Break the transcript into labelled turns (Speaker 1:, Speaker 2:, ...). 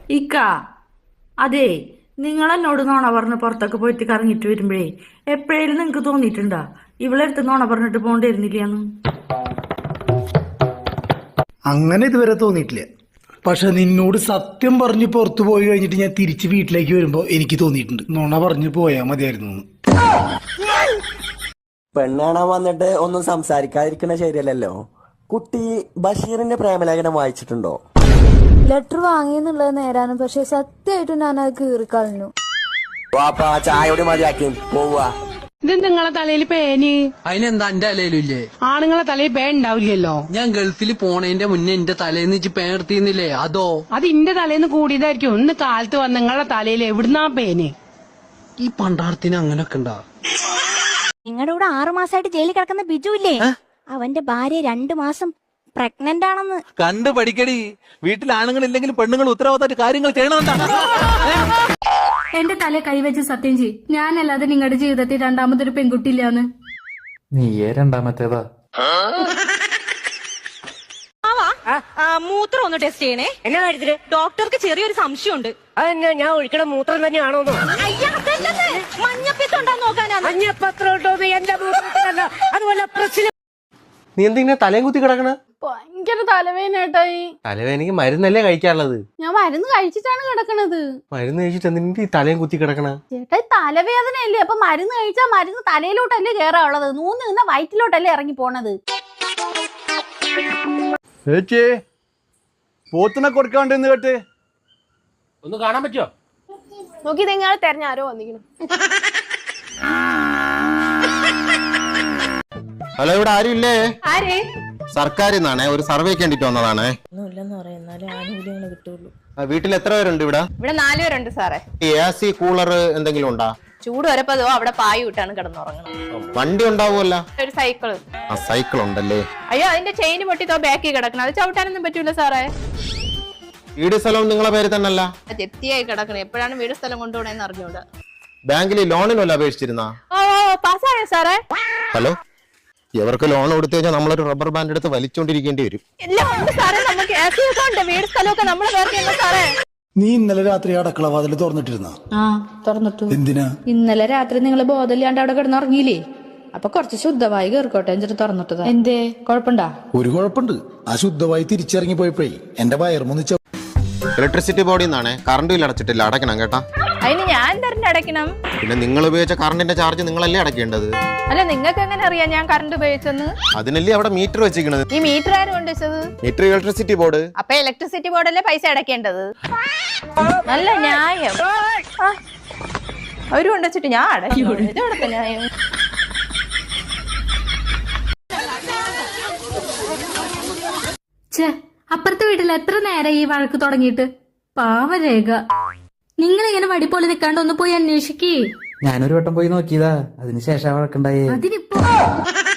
Speaker 1: ഇക്ക അതെ, നിങ്ങൾ എന്നോട് നോണ പറഞ്ഞ് പുറത്തൊക്കെ പോയിട്ട് കറങ്ങിട്ട് വരുമ്പോഴേ എപ്പോഴേലും നിങ്ങക്ക് തോന്നിയിട്ടുണ്ടാ ഇവളെടുത്ത് നോണ പറഞ്ഞിട്ട് പോണ്ടിരുന്നില്ലാന്ന്?
Speaker 2: അങ്ങനെ ഇതുവരെ തോന്നിയിട്ടില്ല. പക്ഷെ നിന്നോട് സത്യം പറഞ്ഞ് പുറത്തു പോയി കഴിഞ്ഞിട്ട് ഞാൻ തിരിച്ച് വീട്ടിലേക്ക് വരുമ്പോ എനിക്ക് തോന്നിയിട്ടുണ്ട് നോണ പറഞ്ഞു പോയാ മതിയായിരുന്നു.
Speaker 3: പെണ്ണ് കാണാൻ വന്നിട്ട് ഒന്നും സംസാരിക്കാതിരിക്കണ ശരിയല്ലല്ലോ. കുട്ടി ബഷീറിന്റെ പ്രേമലേഖനം വായിച്ചിട്ടുണ്ടോ?
Speaker 4: ലെറ്റർ വാങ്ങിയെന്നുള്ളത് നേരാണ്, പക്ഷെ സത്യമായിട്ടും ഞാൻ അത് കീറിക്കളഞ്ഞു.
Speaker 3: വാപ്പാ ചായയോട് മതിയാക്കി പോവാ.
Speaker 5: ഇത് നിങ്ങളെ തലയിൽ പേന്?
Speaker 6: അതിനെന്താ എന്റെ തലയിലില്ലേ?
Speaker 5: ആണുങ്ങളെ തലയിൽ പേൻ ഉണ്ടാവില്ലല്ലോ.
Speaker 6: ഞാൻ ഗൾഫിൽ പോണേന്റെ മുന്നേ എന്റെ തലേന്ന് ഇച്ച് പേൻ എടുത്തിരുന്നില്ലേ? അതോ
Speaker 5: അത് ഇന്റെ തലേന്ന് കൂടിയതായിരിക്കും. ഇന്ന് കാലത്ത് വന്ന് നിങ്ങളെ തലയിൽ എവിടുന്നാ പേന്?
Speaker 6: ഈ പണ്ടാരത്തിന് അങ്ങനൊക്കെ ഉണ്ടാ?
Speaker 4: നിങ്ങളുടെ കൂടെ 6 മാസമായിട്ട് ജയിലിൽ കിടക്കുന്ന ബിജു ഇല്ലേ, അവന്റെ ഭാര്യ 2 മാസം പ്രഗ്നന്റ് ആണെന്ന്.
Speaker 7: കണ്ടു പഠിക്കടി. വീട്ടിൽ ആണുങ്ങളില്ലെങ്കിലും പെണ്ണുങ്ങൾ ഉത്തരവാദിത്തമായിട്ട് കാര്യങ്ങൾ ചെയ്യണമെന്നാണ്.
Speaker 8: എന്റെ തല കൈവച്ച് സത്യം ചെയ്, ഞാനല്ലാതെ നിങ്ങളുടെ ജീവിതത്തിൽ രണ്ടാമതൊരു പെൺകുട്ടിയില്ലാന്ന്.
Speaker 9: നീയേ രണ്ടാമത്തേതാ?
Speaker 10: മൂത്രം ഒന്ന് ടെസ്റ്റ് ചെയ്യണേ. എന്നാ കാര്യത്തില്? ഡോക്ടർക്ക് ചെറിയൊരു സംശയമുണ്ട്. അതെന്നാ, ഞാൻ ഒഴിക്കണ മൂത്രം തന്നെയാണോ? മഞ്ഞപ്പിത്തം നോക്കാനാണ്. മഞ്ഞപ്പത്രം എന്റെ മൂത്രത്തിലല്ല, അതുപോലെ പ്രശ്നം.
Speaker 3: നീ എന്തിങ്ങനെ തലയും കുത്തി കിടക്കണ?
Speaker 8: ഭയങ്കര തലവേദനേട്ടായി.
Speaker 3: തലവേദനക്ക് മരുന്നല്ലേ കഴിക്കാനുള്ളത്?
Speaker 8: ഞാൻ മരുന്ന് കഴിച്ചിട്ടാണ് കിടക്കണത്.
Speaker 3: മരുന്ന് കഴിച്ചിട്ട് എന്തിനാ ഈ തലയും കുത്തി കിടക്കണ?
Speaker 8: ചേട്ടായി തലവേദനയല്ലേ, അപ്പൊ മരുന്ന് കഴിച്ചാൽ മരുന്ന് തലയിലോട്ടല്ലേ കേറാനുള്ളത്, നൂന്ന് നിന്ന വയറ്റിലോട്ടല്ലേ ഇറങ്ങി പോണത്.
Speaker 7: ചേച്ചി പോത്തിനെ കൊടുക്കാണ്ടെന്ന് കേട്ട്
Speaker 6: ഒന്ന് കാണാൻ പറ്റുമോ?
Speaker 8: നോക്കി നിങ്ങൾ തെരഞ്ഞ ആരോ വന്നിരിക്കണം.
Speaker 11: ഹലോ, ഇവിടെ ആരും ഇല്ലേ?
Speaker 8: ആരേ?
Speaker 11: സർക്കാരിൽ നിന്നാണേ, ഒരു സർവേക്ക് വേണ്ടിട്ട് വന്നതാണേ. വീട്ടിൽ എത്ര പേരുണ്ട് ഇവിടെ?
Speaker 10: ഇവിടെ 4 പേരുണ്ട് സാറേ.
Speaker 11: AC കൂളർ എന്തെങ്കിലും ഉണ്ടാ?
Speaker 10: ചൂട് വരപ്പതോ അവിടെ പായ വിട്ടാണ് കിടന്നുറങ്ങണം.
Speaker 11: വണ്ടി ഉണ്ടാവുമല്ല?
Speaker 10: ഒരു സൈക്കിള്.
Speaker 11: ആ, സൈക്കിൾ ഉണ്ടല്ലേ.
Speaker 10: അയ്യോ, അതിന്റെ ചെയിൻ പൊട്ടിത്തോ ബാക്കി കിടക്കണം. അത് ചവിട്ടാനൊന്നും പറ്റൂല സാറേ.
Speaker 11: വീട് സ്ഥലവും നിങ്ങളെ പേര് തന്നെയല്ല?
Speaker 10: ചെത്തിയായി കിടക്കണം. എപ്പോഴാണ് വീട് സ്ഥലം കൊണ്ടുപോകണേന്ന് അറിഞ്ഞൂടാ.
Speaker 11: ബാങ്കിൽ ലോണിനല്ല അപേക്ഷിച്ചിരുന്നാ?
Speaker 10: ഓ പാസ്സായോ സാറേ?
Speaker 11: ഹലോ, ഇവർക്ക് ലോൺ കൊടുത്തു കഴിഞ്ഞാൽ നമ്മളൊരു റബ്ബർ ബാൻഡ് എടുത്ത് വലിച്ചോണ്ടിരിക്കേണ്ടി വരും.
Speaker 10: എല്ലാം ഉണ്ട് സാറേ, നമുക്ക് ഉണ്ട്. വീട് സ്ഥലമൊക്കെ നമ്മളെ പേർക്ക് സാറേ.
Speaker 2: നീ ഇന്നലെ രാത്രി അടക്കള വാതിൽ തുറന്നിട്ടിരുന്ന?
Speaker 8: തുറന്നിട്ടു.
Speaker 2: എന്തിനാ?
Speaker 8: ഇന്നലെ രാത്രി നിങ്ങൾ ബോധമില്ലാണ്ട് അവിടെ കിടന്നുറങ്ങിയില്ലേ, അപ്പൊ കുറച്ച് ശുദ്ധമായി കേറിക്കോട്ടെ എന്നിട്ട് തുറന്നിട്ടതാ. എന്തേ കുഴപ്പമുണ്ടാ?
Speaker 2: ഒരു കുഴപ്പമുണ്ട്. ആ ശുദ്ധമായി തിരിച്ചിറങ്ങി പോയപ്പോഴേ എന്റെ വയർമൊന്നിച്ച.
Speaker 11: ഇലക്ട്രിസിറ്റി ബോർഡിൽ നിന്നാണേ. കറണ്ട് ബിൽ അടച്ചിട്ടില്ല, അടയ്ക്കണം കേട്ടാ.
Speaker 10: അതിന് ഞാൻ തന്നെ അടയ്ക്കണം?
Speaker 11: പിന്നെ നിങ്ങൾ ഉപയോഗിച്ച കറണ്ടിന്റെ ചാർജ് നിങ്ങളല്ലേ അടയ്ക്കേണ്ടത്?
Speaker 10: അല്ല, നിങ്ങൾക്ക് എങ്ങനെ അറിയാം ഞാൻ കറണ്ട് ഉപയോഗിച്ചെന്ന്?
Speaker 11: അതിനല്ലേ അവിടെ മീറ്റർ വെച്ചിരിക്കണത്.
Speaker 10: ഈ മീറ്റർ ആരും കൊണ്ടുവച്ചത്?
Speaker 11: Meter electricity board.
Speaker 10: അപ്പൊ ഇലക്ട്രിസിറ്റി ബോർഡല്ലേ പൈസ അടയ്ക്കേണ്ടത്? നല്ല ന്യായം. അവര് കൊണ്ടുവച്ചിട്ട് ഞാൻ അടയ്ക്കും. ഇതോടൊക്കെ ന്യായം.
Speaker 8: അപ്പുറത്തെ വീട്ടിൽ എത്ര നേരം ഈ വഴക്ക് തുടങ്ങിയിട്ട്. പാവരേഖ, നിങ്ങൾ ഇങ്ങനെ വടി പോലെ നിൽക്കാണ്ട് ഒന്ന് പോയി അന്വേഷിക്കേ.
Speaker 9: ഞാനൊരു വട്ടം പോയി നോക്കിയതാ, അതിനുശേഷം വഴക്കുണ്ടായേ.
Speaker 8: അതിനിപ്പോ